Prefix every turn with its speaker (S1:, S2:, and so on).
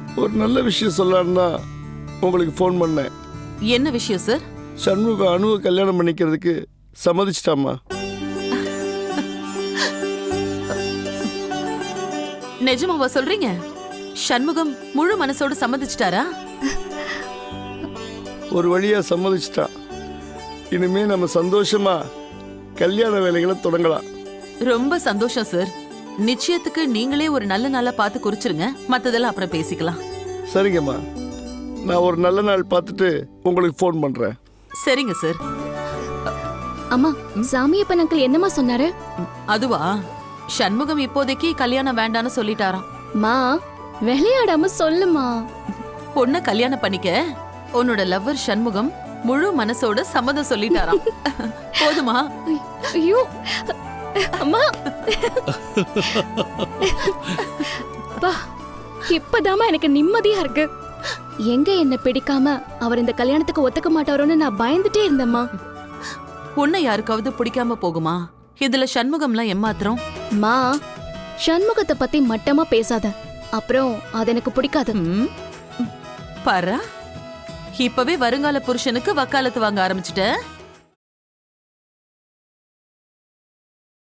S1: ஒரு நல்ல விஷயம் சொல்லலான்னு தான் உங்களுக்கு ஃபோன் பண்ணேன்.
S2: என்ன விஷயம் சார்?
S1: சண்முகம் அணுவை கல்யாணம் பண்ணிக்கிறதுக்கு சம்மதிச்சிட்டாமா.
S2: நிஜமாவா சொல்றீங்க? சண்முகம் முழு மனசோட சம்மதிச்சிட்டாரா?
S1: ஒரு வழியா சம்மதிச்சிட்டான். இனிமே நம்ம சந்தோஷமா கல்யாண வேலைகளை தொடங்கலாம்.
S2: ரொம்ப சந்தோஷம் சார். நிச்சயத்துக்கு நீங்களே ஒரு நல்ல நாளா பார்த்து குறிச்சிருங்க. மத்ததெல்லாம் அப்புறம் பேசிக்கலாம்.
S1: சரிங்கம்மா, நான் ஒரு நல்ல நாள் பார்த்துட்டு உங்களுக்கு ஃபோன் பண்றேன்.
S2: சரிங்க சார்.
S3: அம்மா, சாமியப்பன் அங்கிள் என்னம்மா சொன்னாரு?
S2: அதுவா, சண்முகம் இப்போதைக்கு கல்யாணம் வேண்டான்னு சொல்லிட்டாராம்.
S3: மா, விளையாடாம சொல்லுமா.
S2: பொண்ண கல்யாணம் பண்ணிக்க உன்னோட லவ்வர் சண்முகம் முழு மனசோட சம்மதம் சொல்லிட்டாராம். போதுமா?
S3: ஐயோ அம்மா, பா, இப்பதாம்மா எனக்கு நிம்மதியா இருக்கு. எங்க என்ன பிடிக்காம அவர் இந்த கல்யாணத்துக்கு ஒத்துக்க மாட்டாரோன்னு நான் பயந்துட்டே இருந்தேம்மா.
S2: உன்னை யாருக்காவது பிடிக்காம போகுமா? இதுல சண்முகம்லாம் ஏமாத்திரம்.
S3: மா, சண்முகத்தை பத்தி மட்டமா பேசாத, அப்புறம் அது எனக்கு பிடிக்காது.
S2: பாரா, இப்பவே வருங்கால புருஷனுக்கு வக்காலத்து வாங்க ஆரம்பிச்சுட்ட.